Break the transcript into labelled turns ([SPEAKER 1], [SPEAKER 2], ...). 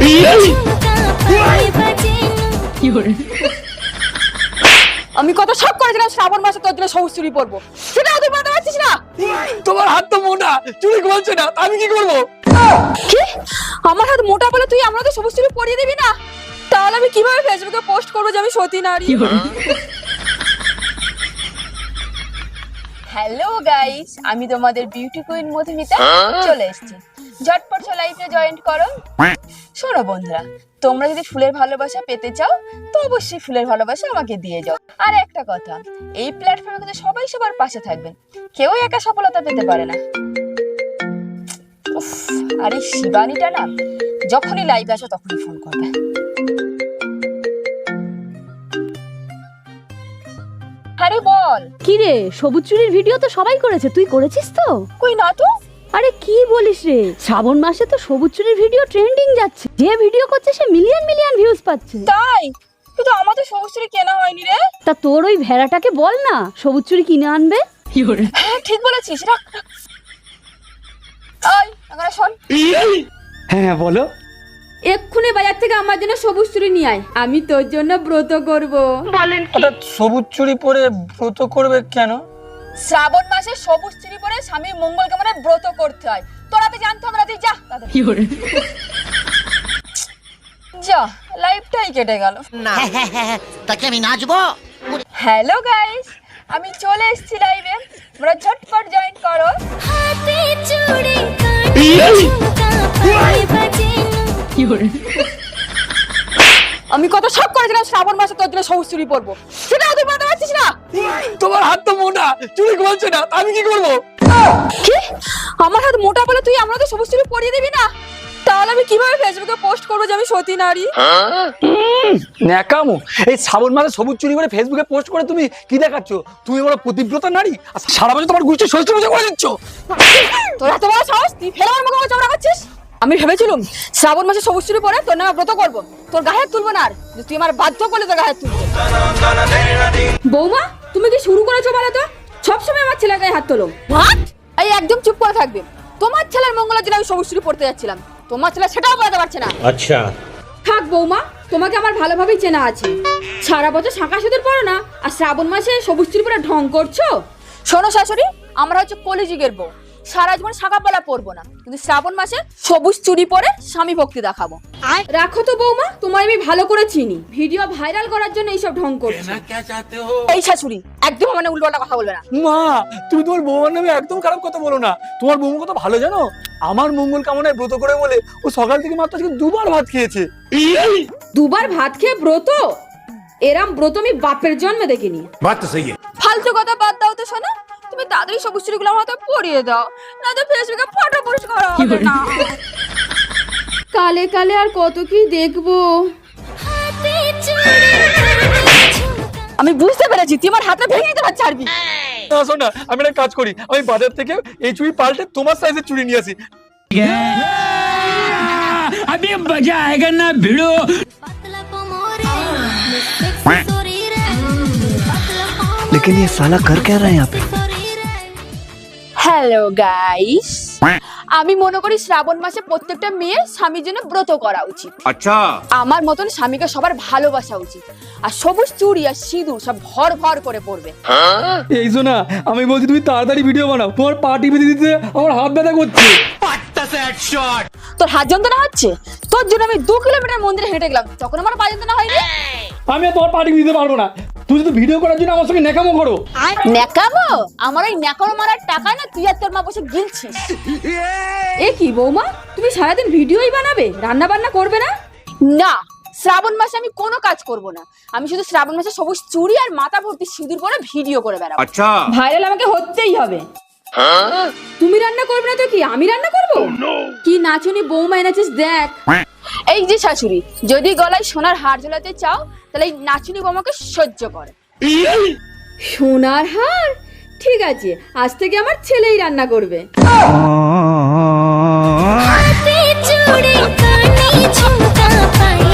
[SPEAKER 1] আমি কত শখ করেছিলাম শ্রাবণ মাসে তোর জন্য সবুজ চুড়ি পরবো, সেটাও তুই পরতে পারছিস না।
[SPEAKER 2] তোমার হাত তো মোটা, চুড়ি ঘুমাচ্ছে না, আমি কি করবো?
[SPEAKER 1] কি আমার হাত মোটা বলে তুই আমাকে সবুজ চুড়ি পরিয়ে দিবি না? তাহলে আমি কিভাবে ফেসবুকে পোস্ট করবো যে আমি সতী নারী? হ্যালো গাইস, আমি তোমাদের বিউটি কুইন মধুমিতা চলে এসেছি। ঝটপট লাইভে জয়েন করো। শোনো বন্ধুরা, তোমরা যদি ফুলের ভালোবাসা পেতে চাও তো অবশ্যই ফুলের ভালোবাসা আমাকে দিয়ে যাও। আর একটা কথা, এই প্ল্যাটফর্মে কিন্তু সবাই সবার পাশে থাকবেন, কেউ একা সফলতা পেতে পারে না। উফ, আর এই শিবানীটা না, যখনই লাইভে আসো তখনই ফোন করবে। আরে বল।
[SPEAKER 3] কি রে, সবুজ চুরির ভিডিও তো সবাই করেছে, তুই করেছিস তো?
[SPEAKER 1] কই না তো।
[SPEAKER 3] আরে কি বলিস রে, শ্রাবণ মাসে তো সবুজ চুরির ভিডিও ট্রেন্ডিং যাচ্ছে, যে ভিডিও করছে সে মিলিয়ন মিলিয়ন ভিউজ পাচ্ছে।
[SPEAKER 1] তাই? কিন্তু আমাদের সবুজ চুরি কেনা হয়নি রে।
[SPEAKER 3] তা তোর ওই ভেড়াটাকে বল না সবুজ চুরি কিনে আনবে।
[SPEAKER 1] হ্যাঁ ঠিক বলেছিস, রাখ। ওই এখন শোন।
[SPEAKER 2] হ্যাঁ বলো।
[SPEAKER 1] এক্ষুনি বাজার থেকে আমার জন্য সবুজ চুড়ি নিয়ে আয়, আমি তোর জন্য ব্রত করব।
[SPEAKER 3] বলেন
[SPEAKER 2] হঠাৎ সবুজ চুড়ি পরে ব্রত করবে কেন?
[SPEAKER 1] শ্রাবণ মাসে সবুজ চুড়ি পরে স্বামীর মঙ্গল কামনে ব্রত করতে হয়। তোরা তো জানতো না, তুই যা যা, লাইফটাই কেটে গেল।
[SPEAKER 4] তাকে আমি নাচবো।
[SPEAKER 1] হ্যালো গাইস, আমি চলে এসেছি লাইভে, তোমরা ঝটপট জয়েন করো। আমি কত শখ করেছিলাম শ্রাবণ মাসে তোর জন্য সবুজ চুড়ি পরবো, সেটাও তুই পরতে পারছিস না।
[SPEAKER 2] তোমার হাত তো মোটা, চুড়ি ঘুমাচ্ছে না, আমি কি করবো?
[SPEAKER 1] কি আমার হাত মোটা বলে তুই আমাকে সবুজ চুড়ি পরিয়ে দিবি না? তাহলে আমি কিভাবে ফেসবুকে পোস্ট করবো যে আমি সতী নারী?
[SPEAKER 2] ন্যাকামো, এই শ্রাবণ মাসে সবুজ চুড়ি করে ফেসবুকে পোস্ট করে তুমি কি দেখাচ্ছ? তুমি বড় পতিব্রতা নারী, আর সারা বছর তোমার গোষ্ঠী ষষ্ঠী পূজা করে দিচ্ছ।
[SPEAKER 1] তোর এত বড় সাহস, তুই ফেলে আমার মুখে চামড়া খাচ্ছিস? আমি ভেবেছিলাম শ্রাবণ মাসে সবুজ চুড়ি পরে তোর নামে ব্রত করবো, তোর গায়ে হাত তুলবো না। আর তুই আমার বাধ্য করলে তোর গায়ে হাত তুলবো। বৌমা, তুমি কি শুরু করেছো বলো তো? সবসময় আমার ছেলের গায়ে হাত তোলো। হাত এই একদম চুপ করে থাকবে। তোমার ছেলের মঙ্গলের জন্য আমি সবুজ চুড়ি পরতে যাচ্ছিলাম, তোমার ছেলে সেটাও পড়াতে পারছে না।
[SPEAKER 5] আচ্ছা
[SPEAKER 1] থাক বৌমা, তোমাকে আমার ভালোভাবেই চেনা আছে। সারা বছর শাঁখা সিঁদুর পরো না, আর শ্রাবণ মাসে সবুজ চুড়ি পরে ঢং করছো। শোনো শাশুড়ি, আমরা হচ্ছে কলিযুগের বউ, সারা জীবন শাঁখা পলা পরবো না, কিন্তু শ্রাবণ মাসে সবুজ চুড়ি পরে স্বামী ভক্তি দেখাবো। রাখো তো বৌমা, তোমার আমি ভালো করে চিনি, ভিডিও ভাইরাল করার জন্য এইসব ঢং করছো। এই শাশুড়ি একদম মানে উল্টোপাল্টা কথা বলবে না।
[SPEAKER 2] মা, তুমি তোমার বৌমার নামে একদম খারাপ কথা বলো না। তোমার বৌমা কত ভালো জানো? আমার মঙ্গল কামনায় ব্রত করে বলে ও সকাল থেকে মাত্র আজকে দুবার ভাত খেয়েছে।
[SPEAKER 1] দুবার ভাত খেয়ে ব্রত? এরাম ব্রত আমি বাপের জন্মে দেখিনি।
[SPEAKER 5] বাত তো সহি
[SPEAKER 1] ফালতু কথা বাদ দাও তো শোনা, তুমি তাড়াতাড়ি সবুজ চুড়িগুলো আমার হাতে পরিয়ে দাও, না তো ফেসবুকে ফটো পোস্ট করা হবে না। কালে কালে আর কত কি দেখবো। আমি বুঝতে পেরেছি তুই আমার হাতটা ভেঙে দিতে ছাড়বি
[SPEAKER 2] না। শোন না, আমি একটা কাজ করি, আমি বাজার থেকে এই চুড়ি পাল্টে তোমার সাইজের চুড়ি নিয়ে আসি।
[SPEAKER 5] अभी मजा आएगा ना भिड़ो।
[SPEAKER 6] लेकिन ये साला कर क्या रहा है यहाँ पे?
[SPEAKER 1] হ্যালো গাইস, আমি মনে করি শ্রাবণ মাসে প্রত্যেকটা মেয়ের স্বামীর জন্য ব্রত করা উচিত।
[SPEAKER 5] अच्छा
[SPEAKER 1] আমার মতন স্বামীকে সবার ভালোবাসা উচিত, আর সবুজ চুড়ি আর সিঁদুর সব ভর ভর করে পড়বে।
[SPEAKER 2] এই শোনা, আমি বলছি তুমি তাড়াতাড়ি ভিডিও বানাও, তোমার পা টিপে দিতে আমার হাত ব্যথা করছে।
[SPEAKER 1] তোর হাত যন্ত্রণা হচ্ছে? তোর জন্য আমি 2 কিলোমিটার মন্দিরে হেঁটে গেলাম, তখন আমার পা যন্ত্রণা হয়নি।
[SPEAKER 2] আমি আর তোমার পা টিপে দিতে পারবো না। তুমি শুধু ভিডিও করার জন্য আমার সঙ্গে ন্যাকামো করো।
[SPEAKER 1] ন্যাকামো? আমার ওই ন্যাকামো মারার টাকা না তুই আর তোর মা বসে গিলছিস। এ কি বৌমা, তুমি সারাদিন ভিডিওই বানাবে, রান্না বান্না করবে না? না, শ্রাবণ মাসে আমি কোনো কাজ করব না, আমি শুধু শ্রাবণ মাসে সবুজ চুড়ি আর মাথা ভর্তি সিঁদুর পরে ভিডিও করে বেড়াবো।
[SPEAKER 5] अच्छा
[SPEAKER 1] ভাইরাল আমাকে হতেই হবে। তুমি রান্না করবে না তো কি আমি রান্না করব? কি নাচুনি বৌমা এনেছিস দেখ। এই যে শাশুড়ি, যদি গলায় সোনার হার ঝোলাতে চাও তাহলে এই নাচুনি বৌমাকে সহ্য করে। সোনার হার? ঠিক আছে, আজ থেকে আমার ছেলেই রান্না করবে।
[SPEAKER 7] चूड़ी कानी झुमका पाई